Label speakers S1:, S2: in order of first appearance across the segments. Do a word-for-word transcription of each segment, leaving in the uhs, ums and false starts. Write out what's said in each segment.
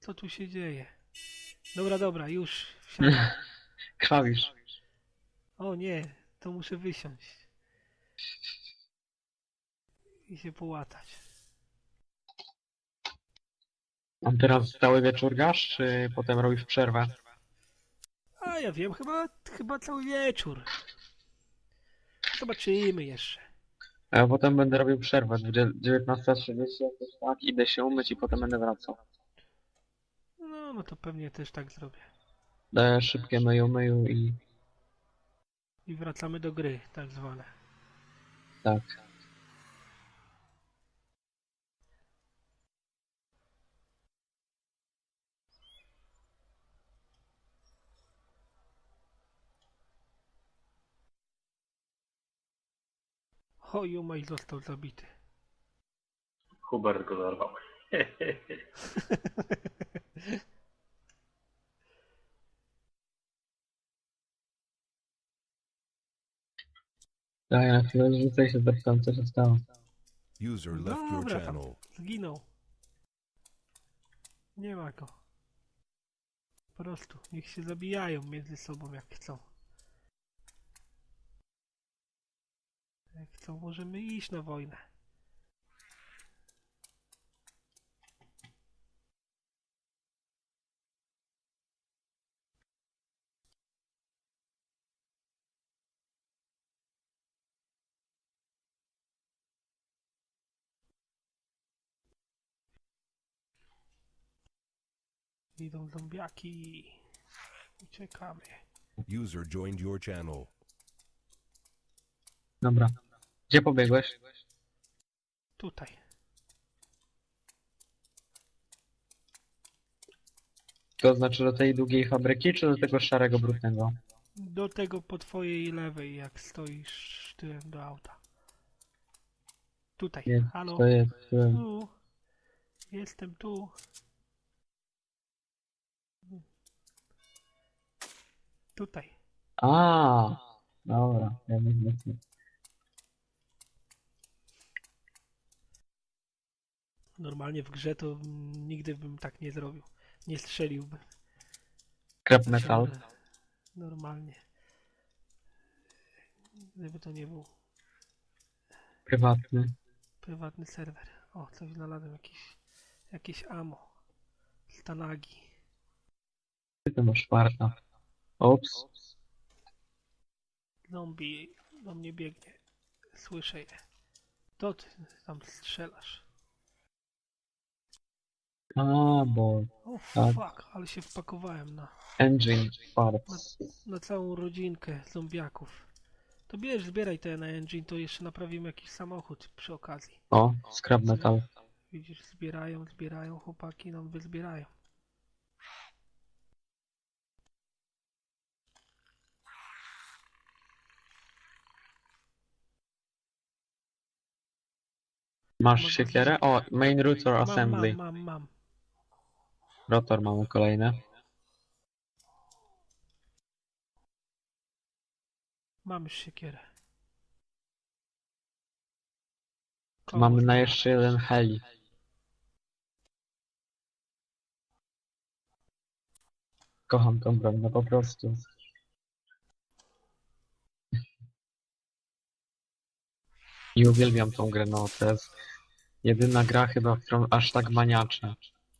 S1: Co tu się dzieje? Dobra, dobra, już wsiadam.
S2: Krwawisz.
S1: O nie, to muszę wysiąść i się połatać.
S2: On teraz cały wieczór gasz, czy potem robisz przerwę?
S1: A ja wiem, chyba, chyba cały wieczór. Zobaczymy jeszcze.
S2: A ja potem będę robił przerwę, dziewiętnasta trzydzieści jakoś tak, idę się umyć i potem będę wracał.
S1: No, no to pewnie też tak zrobię.
S2: Daję szybkie myju myju i
S1: I wracamy do gry, tak zwane.
S2: tak.
S1: O, Jumaj został zabity.
S3: Hubert go dorwał.
S2: Daję na chwilę, rzucę się zapytam, co się stało.
S4: User left your
S1: Dobra, tam
S4: channel.
S1: zginął. Nie ma go. Po prostu, niech się zabijają między sobą jak chcą. Jak chcą, możemy iść na wojnę. Idą zombiaki. Uciekamy.
S4: User joined your channel.
S2: Dobra. Gdzie pobiegłeś?
S1: Tutaj.
S2: To znaczy do tej długiej fabryki, czy do tego szarego, brudnego?
S1: Do tego po twojej lewej, jak stoisz tyłem do auta. Tutaj.
S2: Nie,
S1: Halo?
S2: to jest... e,
S1: Tu. Jestem tu. Tutaj.
S2: A, dobra, ja nie wiem.
S1: Normalnie w grze to mm, nigdy bym tak nie zrobił. Nie strzeliłbym.
S2: Scrap
S1: To się
S2: metal.
S1: nor- Normalnie. Gdyby to nie był
S2: Prywatny.
S1: prywatny serwer. O, coś znalazłem. Jakieś, jakieś ammo. Stanagi.
S2: Ty to masz farta. Ops.
S1: Zombie do mnie biegnie. Słyszę je. To ty tam strzelasz.
S2: A, bo...
S1: O
S2: Tak.
S1: fuck, ale się wpakowałem na,
S2: Engine parts.
S1: na całą rodzinkę zombiaków. To bierz, zbieraj te na engine, to jeszcze naprawimy jakiś samochód przy okazji.
S2: O, scrap metal.
S1: Widzisz, zbierają, zbierają, chłopaki nam wyzbierają.
S2: Masz siekierę? O, main rotor
S1: Mam,
S2: assembly.
S1: mam, mam, mam.
S2: Rotor mamy kolejny.
S1: Mam już siekierę.
S2: Tu mamy
S1: Kołóż
S2: na
S1: mam.
S2: jeszcze jeden heli. Kocham tą broń, no po prostu. I uwielbiam tą grę, no to jest jedyna gra chyba, w którą aż tak maniaczę.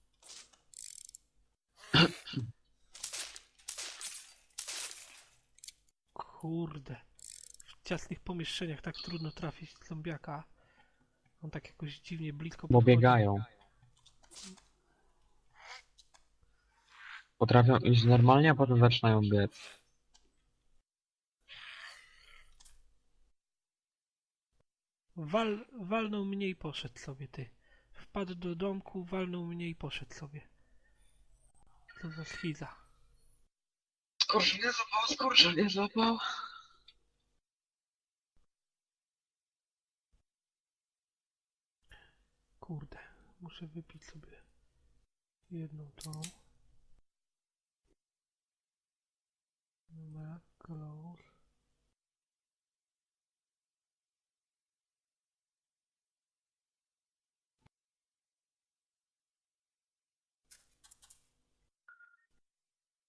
S1: Kurde. W ciasnych pomieszczeniach tak trudno trafić zombiaka. On tak jakoś dziwnie blisko
S2: Bo
S1: podchodzi.
S2: biegają. Potrafią iść normalnie, a potem zaczynają biec.
S1: Wal, walnął mnie i poszedł sobie, ty. Wpadł do domku, walnął mnie i poszedł sobie. Co za schiza.
S2: Skurcz nie zapał, skurcz nie zapał.
S1: Kurde, muszę wypić sobie jedną tą. Dobra, close.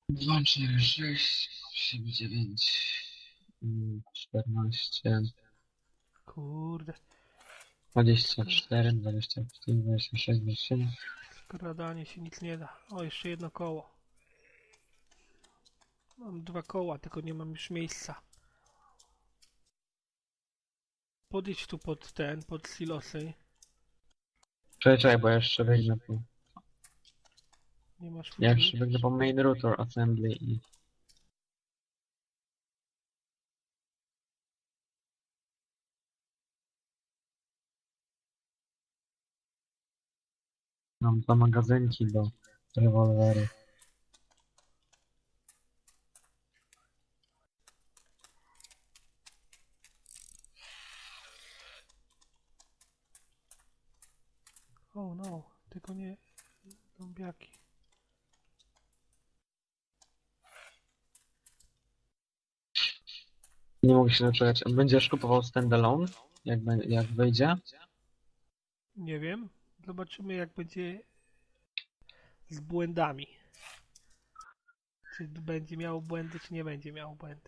S2: dwa, cztery, sześć, siedem, dziewięć, czternaście,
S1: Kurde,
S2: dwadzieścia cztery, dwadzieścia pięć, dwadzieścia sześć, dwadzieścia siedem.
S1: skradanie się nic nie da. O, jeszcze jedno koło. Mam dwa koła, tylko nie mam już miejsca. Podejdź tu pod ten, pod silosy.
S2: Czekaj, czekaj, bo ja jeszcze biegnę po...
S1: Nie masz
S2: Ja
S1: ludzi?
S2: jeszcze biegnę po main router assembly i... Mam dwa magazynki do rewolweru.
S1: O no, tylko nie zombiaki.
S2: Nie mogę się doczekać. Będziesz kupował standalone? Jak, be- jak wyjdzie?
S1: Nie wiem. Zobaczymy jak będzie z błędami. Czy będzie miało błędy, czy nie będzie miało błędy.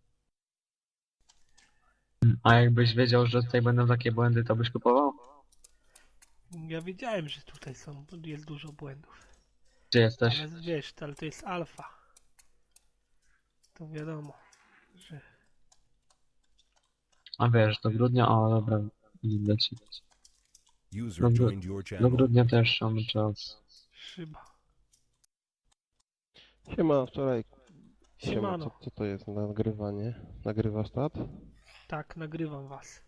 S2: A jakbyś wiedział, że tutaj będą takie błędy, to byś kupował?
S1: Ja wiedziałem, że tutaj są, jest dużo błędów.
S2: Gdzie jesteś?
S1: Ale wiesz, ale to jest alfa. To wiadomo, że...
S2: A wiesz, do grudnia... O, dobra, widzę ci.
S4: User
S2: Dobra.
S4: joined your
S2: Do
S4: channel.
S2: grudnia też mamy czas.
S1: Szyba.
S5: Siema, wczoraj. Siema,
S1: Siemano.
S5: co, co to jest nagrywanie? Nagrywasz stat?
S1: Tak, nagrywam was.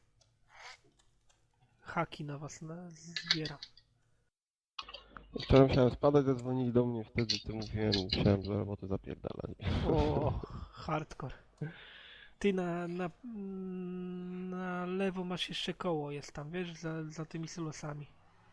S1: Haki na was na... zbieram.
S5: Wczoraj musiałem spadać, zadzwonili do mnie, wtedy to mówiłem, musiałem do roboty zapierdalać.
S1: O, hardcore. Ty na, na, na lewo masz jeszcze koło, jest tam, wiesz, za, za tymi silosami.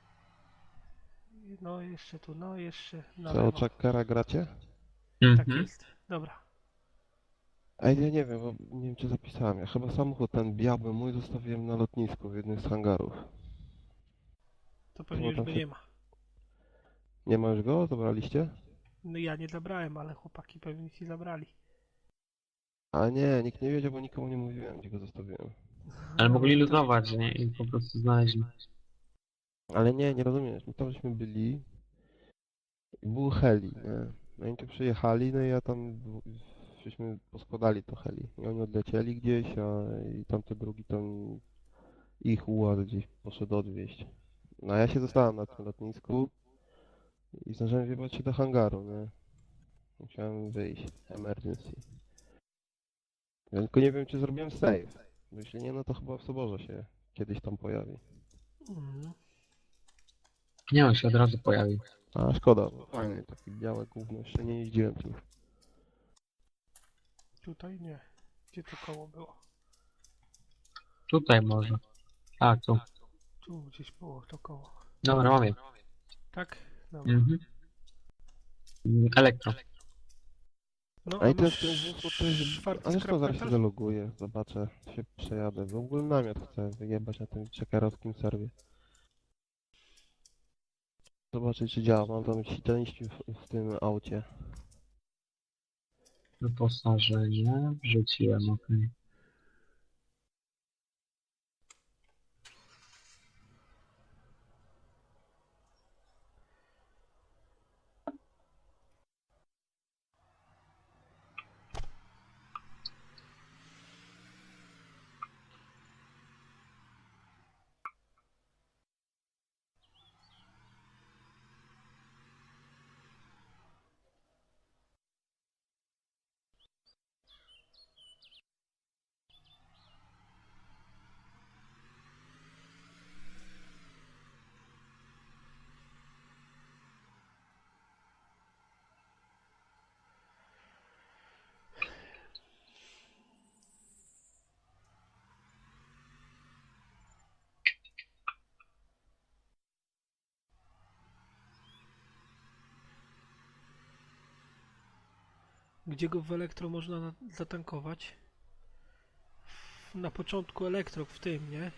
S1: No jeszcze tu, no jeszcze na
S5: Co,
S1: lewo.
S5: Chuckera gracie?
S1: Tak
S2: Mhm.
S1: jest. Dobra.
S5: Ej, ja nie wiem, bo nie wiem czy zapisałem. Ja chyba samochód ten biały mój zostawiłem na lotnisku w jednym z hangarów.
S1: To pewnie
S5: Chyba
S1: już
S5: tam
S1: go
S5: się-
S1: nie ma.
S5: Nie ma już go? Zabraliście?
S1: No ja nie zabrałem, ale chłopaki pewnie ci zabrali.
S5: A nie, nikt nie wiedział, bo nikomu nie mówiłem, gdzie go zostawiłem.
S2: Ale
S1: No,
S2: mogli
S1: to-
S2: luzować, nie? I po prostu znaleźli.
S5: Ale nie, nie rozumiesz, my tam żeśmy byli i był heli, nie? No i tu przyjechali, no i ja tam, w- żeśmy poskładali to heli. I oni odlecieli gdzieś, a i tamte drugi tam, ich ułaz gdzieś poszedł odwieźć. No a ja się zostałem na tym lotnisku i zdążyłem wjebać się do hangaru, nie? Musiałem wyjść, emergency. Ja tylko nie wiem, czy zrobiłem save. Bo jeśli nie, no to chyba w soborze się kiedyś tam pojawi.
S1: Mhm.
S2: Nie, on się od razu pojawił.
S5: A szkoda, bo fajny, taki białe gówno, jeszcze nie jeździłem tym.
S1: Tutaj nie. Gdzie to koło było?
S2: Tutaj może. A, tu.
S1: Tu gdzieś było to koło.
S2: Dobra, mam je.
S1: Tak? Dobra.
S2: Mhm. Mm, Elektro.
S1: No,
S5: A i ten,
S1: masz
S5: ten wóz, to jest...
S1: czwarty
S5: Ale co,
S1: skrap
S5: zaraz się
S1: metal?
S5: zaloguję, zobaczę, się przejadę. W ogóle namiot chcę wyjebać na tym czekerowskim serwie. Zobaczyć czy działa, mam tam części w, w tym aucie.
S2: Wyposażenie. Wrzuciłem, okej.
S1: Gdzie go w elektro można na, zatankować? W- Na początku elektro w tym, nie?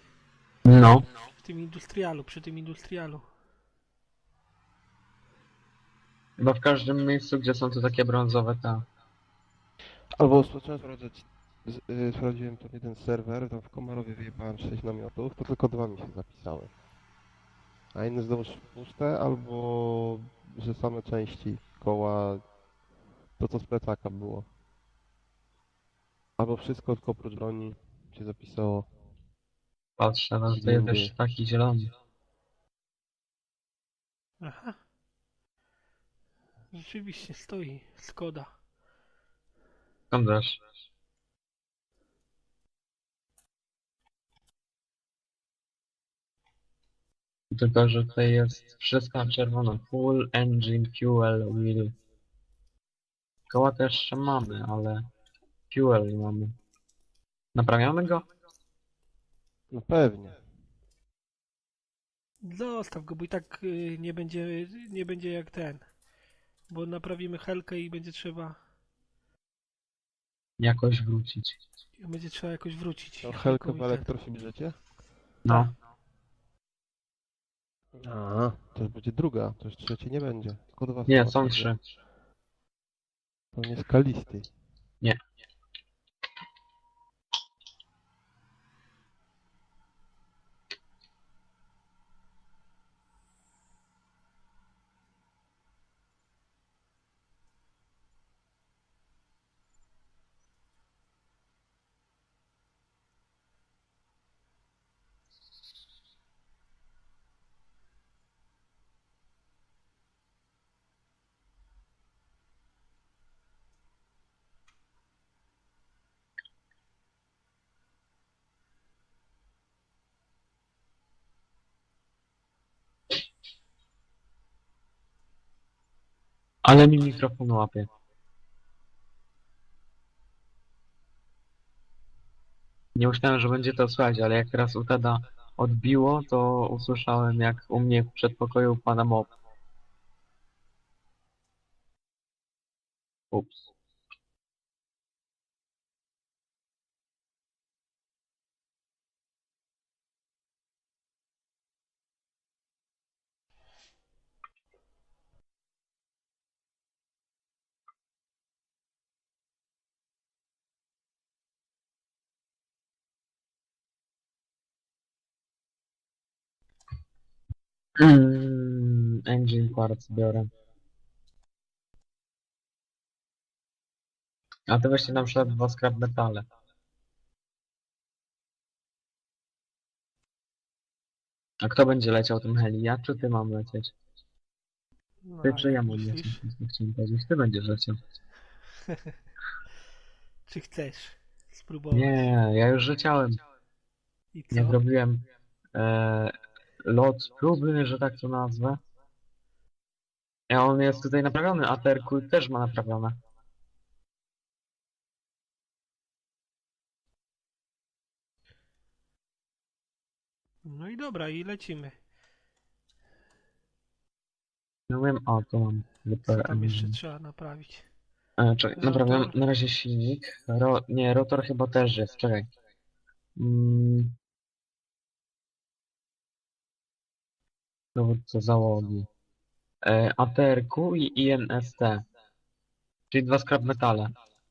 S2: No.
S1: W tym industrialu, przy tym industrialu.
S2: Chyba w każdym miejscu, gdzie są tu takie brązowe, ta.
S5: Albo zacząłem sprawdzać, z- y, sprawdziłem ten jeden serwer, tam w Komarowie wyjebałem sześć namiotów, to tylko dwa mi się zapisały. A inne znowuż puste, albo że same części koła, to co z plecaka było. Albo wszystko tylko oprócz broni się zapisało.
S2: Patrzę, no
S5: Gdzie
S2: to jest
S5: indziej.
S2: też taki zielony.
S1: Aha. Rzeczywiście stoi. Skoda.
S2: Skąd wiesz? Tylko, że tutaj jest wszystko na czerwono. Full engine, fuel, wheel. Koła też jeszcze mamy, ale fuel nie mamy. Naprawiamy go?
S5: No pewnie.
S1: Zostaw go, bo i tak y, nie będzie, nie będzie jak ten. Bo naprawimy helkę i będzie trzeba,
S2: Jakoś wrócić.
S1: będzie trzeba jakoś wrócić.
S5: To
S1: helką
S5: Helkę
S1: i
S5: w
S1: ten.
S5: elektro się bierzecie?
S2: No.
S5: A, to już będzie druga, to już trzeciej nie będzie. Tylko dwa
S2: Nie,
S5: na
S2: są
S5: razie.
S2: trzy.
S5: Pewnie skalisty.
S2: Nie. Ale mi mikrofon łapie. Nie myślałem, że będzie to słychać, ale jak teraz u Teda odbiło, to usłyszałem, jak u mnie w przedpokoju pada mop. Ups. Mm, engine parts biorę. A to weźcie na przykład dwa scrap metale. A kto będzie leciał tym heli? Ja czy ty mam lecieć?
S1: No,
S2: Ty
S1: a
S2: czy ja
S1: jak
S2: mam lecieć?
S1: myślisz?
S2: To chciałem powiedzieć, ty będziesz leciał.
S1: Czy chcesz spróbować?
S2: Nie, ja już leciałem.
S1: I
S2: Jak
S1: co?
S2: robiłem e, lot próbny, że tak to nazwę. A on jest tutaj naprawiony, a Terku też ma naprawione.
S1: No i dobra, i lecimy.
S2: No wiem, o, tu mam.
S1: Co
S2: Repair
S1: tam jeszcze
S2: engine.
S1: trzeba naprawić?
S2: E, czekaj, naprawiam
S1: Rotor?
S2: na razie silnik. Ro, nie, rotor chyba też jest, czekaj. Mm, dowódca załogi. E, A T R Q i I N S T. Czyli dwa scrap metale.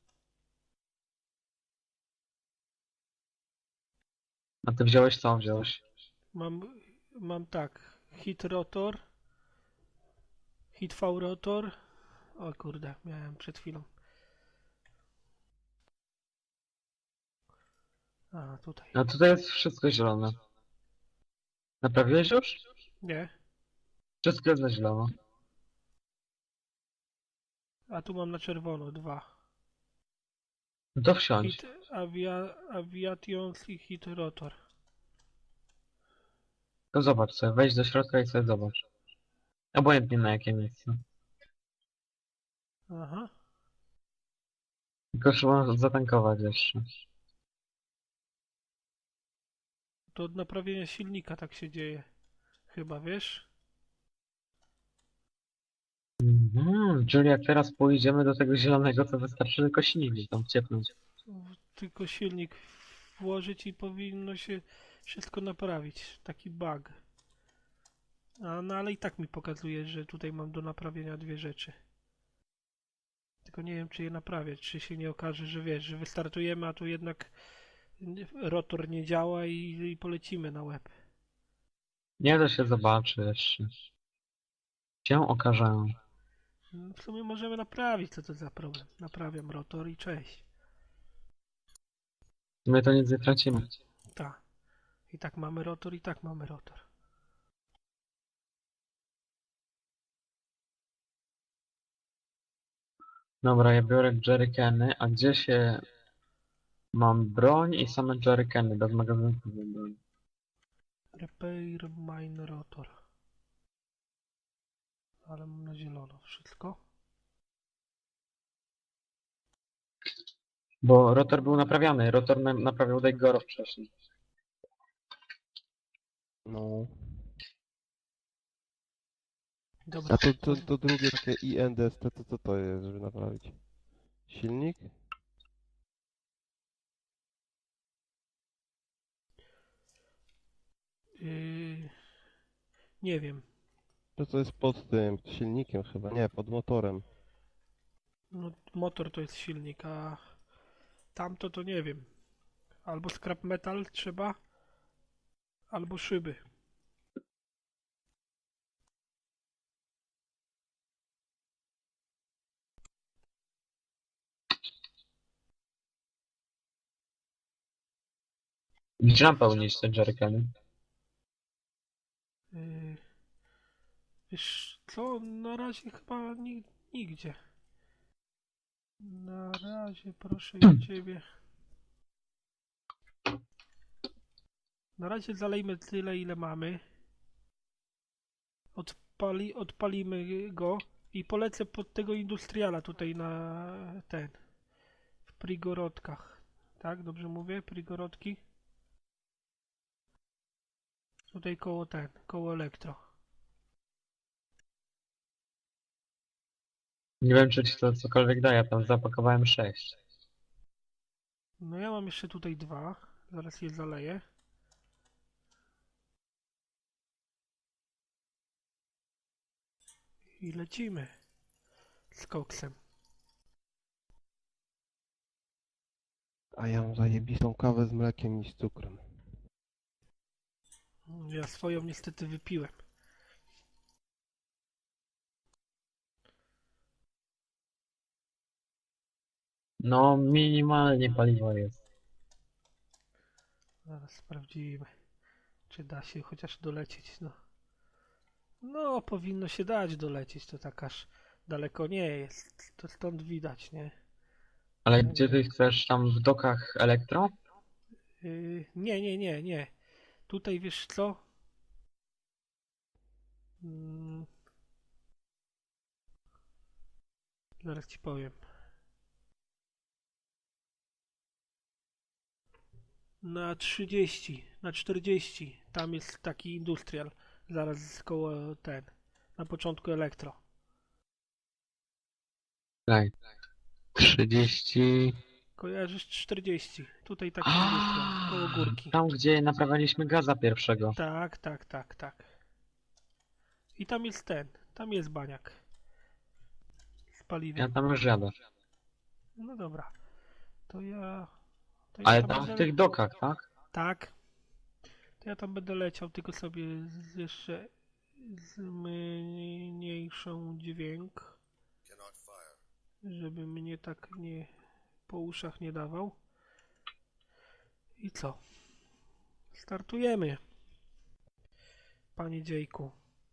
S2: A ty wziąłeś co wziąłeś?
S1: Mam, mam tak. Hit rotor. Hit V rotor. O kurde, miałem przed chwilą. A, tutaj.
S2: A tutaj jest wszystko zielone. Naprawiłeś już?
S1: Nie.
S2: Wszystko jest na zielono.
S1: A tu mam na czerwono dwa.
S2: No to wsiądź.
S1: Hit avia, aviations i hit rotor.
S2: To zobacz sobie, wejdź do środka i sobie zobacz. Obojętnie na jakie miejsce.
S1: Aha.
S2: Tylko trzeba zatankować jeszcze.
S1: To od naprawienia silnika tak się dzieje. Chyba, wiesz?
S2: Mhm, czyli jak teraz pójdziemy do tego zielonego, to wystarczy tylko silnik tam wciepnąć.
S1: Tylko silnik włożyć i powinno się wszystko naprawić. Taki bug. A, no ale i tak mi pokazuje, że tutaj mam do naprawienia dwie rzeczy. Tylko nie wiem, czy je naprawiać, czy się nie okaże, że wiesz, że wystartujemy, a tu jednak rotor nie działa i, i polecimy na łeb.
S2: Nie da się zobaczy jeszcze. Się okaże.
S1: No, w sumie możemy naprawić, co to za problem. Naprawiam rotor i cześć.
S2: My to nic nie tracimy.
S1: Tak. I tak mamy rotor, i tak mamy rotor.
S2: Dobra, ja biorę jerrycany, a gdzie się... Mam broń i same jerrycany, bez magazynku mam broń.
S1: Repair mine rotor. Ale mam na zielono wszystko.
S2: Bo rotor był naprawiany, rotor na naprawiał Daigoro wcześniej.
S5: No.
S1: Dobra.
S5: A to, to, to drugie takie I N D S T, to co to jest, żeby naprawić? Silnik?
S1: Yy, nie wiem.
S5: To co jest pod tym silnikiem chyba, nie, pod motorem.
S1: No, motor to jest silnik, a tamto to nie wiem. Albo scrap metal trzeba, albo szyby.
S2: Gdzie mam pełnić te jerrycany?
S1: Yy, wiesz co, na razie chyba ni nigdzie. Na razie proszę ja ciebie. Na razie zalejmy tyle, ile mamy. Odpali, odpalimy go i polecę pod tego industriala tutaj na ten. W Prigorodkach. Tak, dobrze mówię? Prigorodki? Tutaj koło ten, koło elektro.
S2: Nie wiem, czy ci to cokolwiek daje, ja tam zapakowałem sześć.
S1: No ja mam jeszcze tutaj dwa. Zaraz je zaleję. I lecimy z koksem.
S5: A ja mam zajebistą kawę z mlekiem i z cukrem.
S1: Ja swoją niestety wypiłem.
S2: No, minimalnie paliwo jest.
S1: Zaraz sprawdzimy, czy da się chociaż dolecieć. No, no powinno się dać dolecieć, to tak aż daleko nie jest. To stąd widać, nie?
S2: Ale gdzie ty chcesz? Tam w dokach elektro?
S1: Yy, nie, nie, nie, nie. Tutaj wiesz co? Mm, zaraz ci powiem. Na trzydzieści, na czterdzieści. Tam jest taki industrial. Zaraz koło ten. Na początku elektro.
S2: Tak. trzydzieści...
S1: Kojarzysz czterdzieści. Tutaj taki industrial. Koło górki.
S2: Tam, gdzie naprawialiśmy gaza pierwszego.
S1: Tak, tak, tak, tak. I tam jest ten. Tam jest baniak. Z
S2: Ja
S1: paliwem.
S2: tam już jadę.
S1: No dobra. To ja... To ja
S2: Ale
S1: tam
S2: tam w
S1: będę...
S2: tych dokach, tak?
S1: Tak. To ja tam będę leciał, tylko sobie z, jeszcze zmniejszą dźwięk, żeby mnie tak nie po uszach nie dawał. I co? Startujemy, panie dziejku.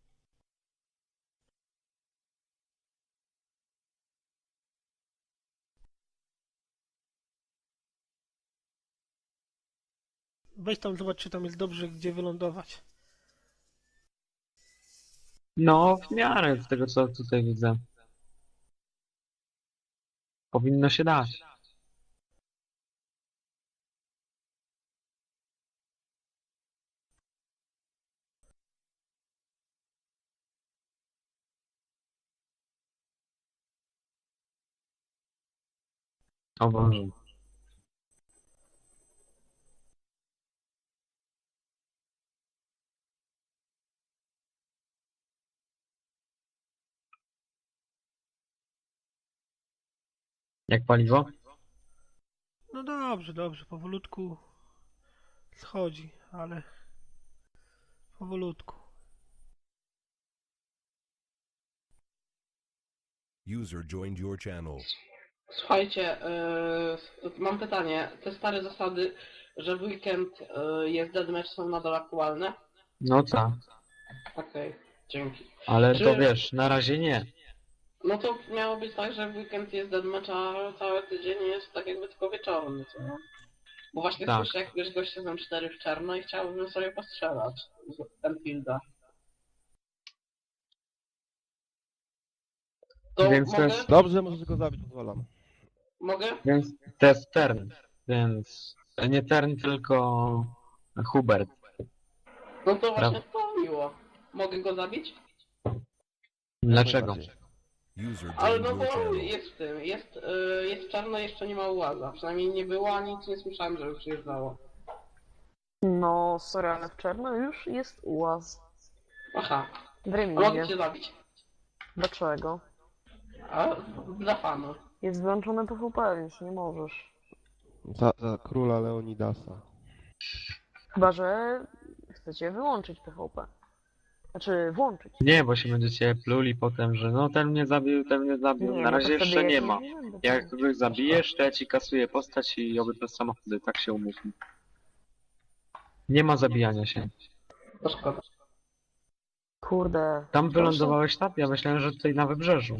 S1: Weź tam zobacz, czy tam jest dobrze, gdzie wylądować.
S2: No, w miarę z tego, co tutaj widzę. Powinno się dać. O Boże. Jak paliwo?
S1: No dobrze, dobrze, powolutku schodzi, ale powolutku.
S4: User joined your channel.
S6: Słuchajcie, yy, mam pytanie. Te stare zasady, że w weekend yy, jest deathmatch, są nadal aktualne?
S2: No tak,
S6: Okej, dzięki.
S2: ale
S6: Czy-
S2: to wiesz, na razie nie.
S6: No to miało być tak, że w weekend jest deathmatch, a cały tydzień jest tak jakby tylko wieczorem, co nie? Bo właśnie
S2: Tak.
S6: słyszę jakiegoś gościa z cztery w czarno i chciałbym sobie postrzelać z Enfielda. To
S2: Więc to
S6: mogę?
S2: jest-
S5: Dobrze, możesz go zabić, pozwalam.
S6: Mogę?
S2: Więc to jest Tern, więc nie Tern, tylko Hubert.
S6: No to właśnie
S2: Brawo.
S6: to miło. Mogę go zabić?
S2: Dlaczego?
S5: Najbardziej.
S4: User
S6: Ale
S4: joined
S6: no
S4: your
S6: bo
S4: channel.
S6: jest w tym, jest, y, jest czarno, jeszcze nie ma ułaza. Przynajmniej nie było, a nic nie słyszałem, żeby przyjeżdżało.
S7: No, sorry, ale w czerwcu już jest ułaz.
S6: Aha,
S7: W
S6: a mogę
S7: remizie.
S6: cię zabić?
S7: Dlaczego?
S6: A dla fanu.
S7: Jest wyłączone P V P, więc nie możesz.
S5: Za, za króla Leonidasa.
S7: Chyba, że chcecie wyłączyć P V P. Znaczy, włączyć.
S2: Nie, bo się będziecie pluli potem, że no ten mnie zabił, ten mnie zabił.
S7: Nie,
S2: Na
S7: no to
S2: razie
S7: wtedy
S2: jeszcze
S7: ja
S2: nie
S7: się
S2: ma.
S7: nie będę
S2: Jak
S7: włączać.
S2: kogoś zabijesz, to ja ci kasuję postać i obydwa samochody, tak się umówmy. Nie ma zabijania się.
S6: To szkoda.
S7: Kurde.
S2: Tam wylądowałeś tam? Ja myślałem, że tutaj na wybrzeżu.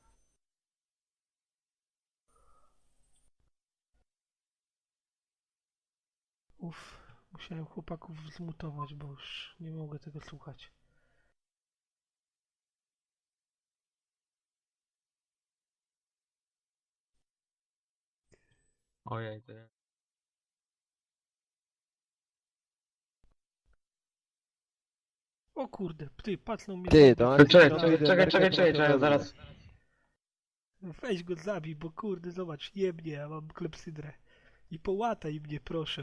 S1: Uff, musiałem chłopaków zmutować, bo już nie mogę tego słuchać.
S2: Ojej, to ja...
S1: O kurde, ty, pacnął mnie.
S5: Ty, to
S2: To
S5: Anci-
S2: czekaj,
S5: to
S2: czekaj,
S5: idę,
S2: czekaj, czekaj,
S5: Merkel
S2: czekaj,
S5: trochę
S2: czekaj,
S5: wezmę.
S2: zaraz.
S1: Weź go zabij, bo kurde, zobacz, jebnie, ja mam klepsydrę. I połataj mnie, proszę.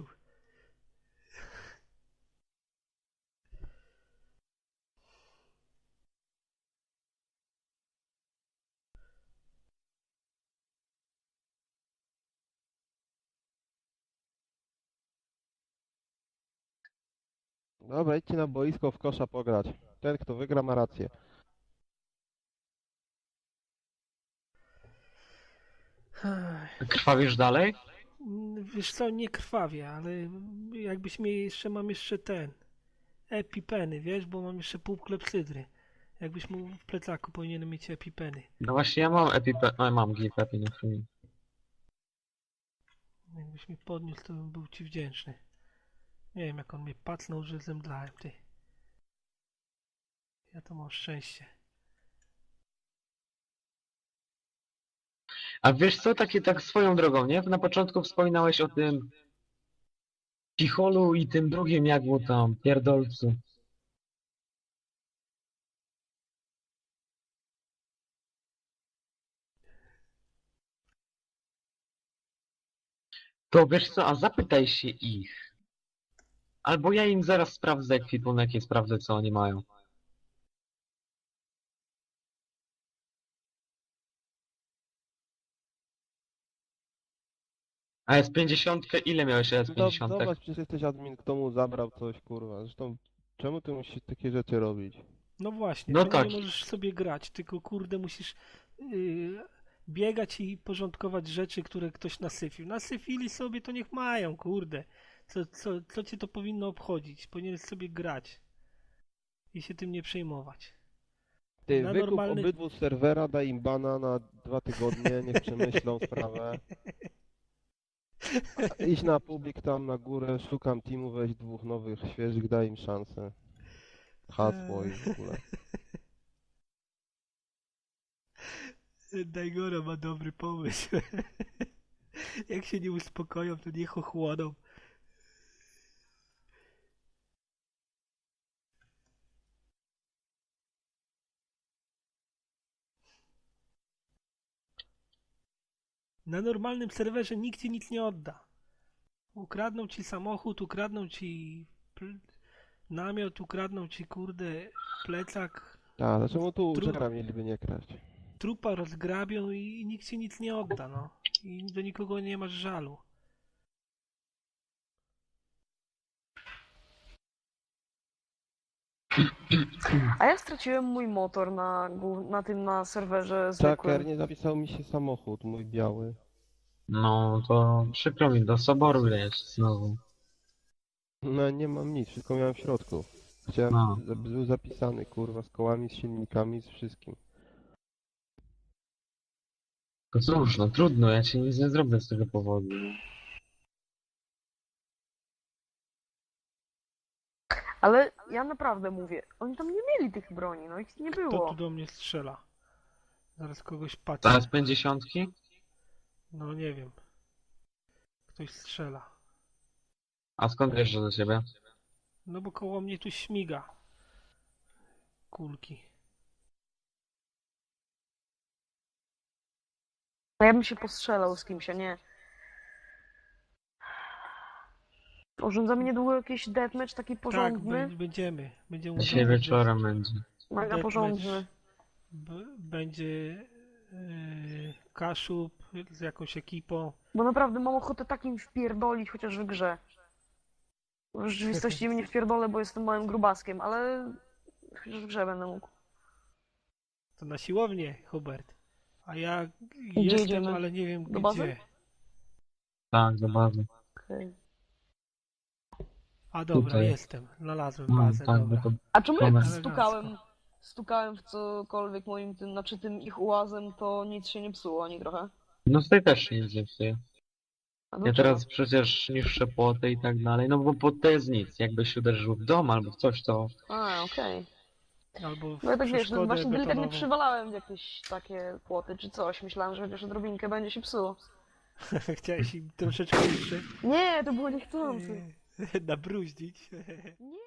S5: Dobra, idźcie na boisko w kosza pograć. Ten, kto wygra, ma rację.
S1: Ech,
S2: Krwawisz dalej?
S1: Wiesz co, nie krwawie, ale jakbyś mnie jeszcze, mam jeszcze ten, epipeny, wiesz, bo mam jeszcze pół klepsydry. Jakbyś mu w plecaku powinien mieć epipeny.
S2: No właśnie ja mam epipe... No, mam gipepy, nie chwili.
S1: Jakbyś mi podniósł, to bym był ci wdzięczny. Nie wiem, jak on mnie pacnął, że zemdlałem, ty. Ja to mam szczęście.
S2: A wiesz co, takie tak swoją drogą, nie? Na początku wspominałeś o tym Picholu i tym drugim, jak mu tam, pierdolcu. To wiesz co, a zapytaj się ich. Albo ja im zaraz sprawdzę ekwipunek i sprawdzę, co oni mają. A S pięćdziesiąt, ile miałeś S
S5: Do,
S2: pięćdziesiąt?
S5: zobacz, przecież jesteś admin, kto mu zabrał coś, kurwa. Zresztą, czemu ty musisz takie rzeczy robić?
S1: No właśnie,
S2: No
S1: czemu
S2: tak.
S1: nie możesz sobie grać, tylko kurde musisz yy, biegać i porządkować rzeczy, które ktoś nasyfił. Nasyfili sobie, to niech mają, kurde. Co, co, co cię to powinno obchodzić? Powinieneś sobie grać i się tym nie przejmować.
S5: Ty,
S1: Na
S5: wykup
S1: normalny-
S5: obydwu z serwera, daj im bana na dwa tygodnie, niech przemyślą sprawę. Idź na publik tam na górę, szukam teamu, weź dwóch nowych, świeżych, daj im szansę. Hasło i w ogóle.
S1: Dajgora ma dobry pomysł. Jak się nie uspokoją, to niech ochłoną. Na normalnym serwerze nikt ci nic nie odda. Ukradną ci samochód, ukradną ci pl- namiot, ukradną ci kurde plecak,
S5: A, dlaczego tu
S1: Trudno.
S5: uczera mieliby nie kraść?
S1: trupa rozgrabią i nikt ci nic nie odda, no. i do nikogo nie masz żalu.
S7: A ja straciłem mój motor na, głów- na tym, na serwerze zwykłym.
S5: Tracker, nie zapisał mi się samochód, mój biały.
S2: No to przykro mi, do soboru leć znowu.
S5: No nie mam nic, wszystko miałem w środku. Chciałem,
S2: No.
S5: żeby był zapisany, kurwa, z kołami, z silnikami, z wszystkim.
S2: To cóż, no trudno, ja ci nic nie zrobię z tego powodu.
S7: Ale ja naprawdę mówię, oni tam nie mieli tych broni, no ich nie
S1: Kto tu
S7: było.
S1: do mnie strzela? Zaraz kogoś patrzę.
S2: Teraz pięćdziesiątki?
S1: No nie wiem. Ktoś strzela.
S2: A skąd wiesz, że do ciebie?
S1: No bo koło mnie tu śmiga. Kulki.
S7: No ja bym się postrzelał z kimś, a nie... Urządzamy niedługo jakiś deathmatch taki
S1: Tak,
S7: porządny,
S1: bę- będziemy. Będziemy
S2: Dzisiaj
S1: urządzać
S2: wieczorem będzie.
S7: mega
S1: deathmatch.
S7: porządny.
S1: B- będzie yy, Kaszub z jakąś ekipą.
S7: Bo naprawdę mam ochotę takim wpierdolić, chociaż w grze. W rzeczywistości mnie wpierdolę, bo jestem małym grubaskiem, ale chociaż w grze będę mógł.
S1: To na siłownię, Hubert. A ja
S7: Gdzie
S1: jestem,
S7: idziemy?
S1: ale nie wiem
S7: Do
S1: gdzie.
S7: bazy?
S2: Tak, do bazy.
S7: Okej.
S1: A dobra,
S2: Tutaj.
S1: jestem. Znalazłem
S2: No,
S1: bazę,
S2: tak,
S1: dobra.
S2: bo to
S7: A czemu jak
S2: Tomek.
S7: stukałem, stukałem w cokolwiek moim tym, znaczy tym ich ułazem, to nic się nie psuło ani trochę?
S2: No tutaj też się nic nie psuje.
S7: A
S2: Ja
S7: dlaczego?
S2: teraz przecież niższe płoty i tak dalej, no bo płot to jest nic. Jakbyś uderzył w dom albo w coś, to...
S7: A, okej.
S1: Albo w
S7: No ja tak wiesz, no
S1: przeszkodę
S7: właśnie delikatnie
S1: betonową.
S7: przywalałem w jakieś takie płoty czy coś. Myślałem, że chociaż odrobinkę będzie się psuło.
S1: Chciałeś im troszeczkę jeszcze
S7: Nie, to było niechcący.
S1: yy, nabruździć.
S7: Nie.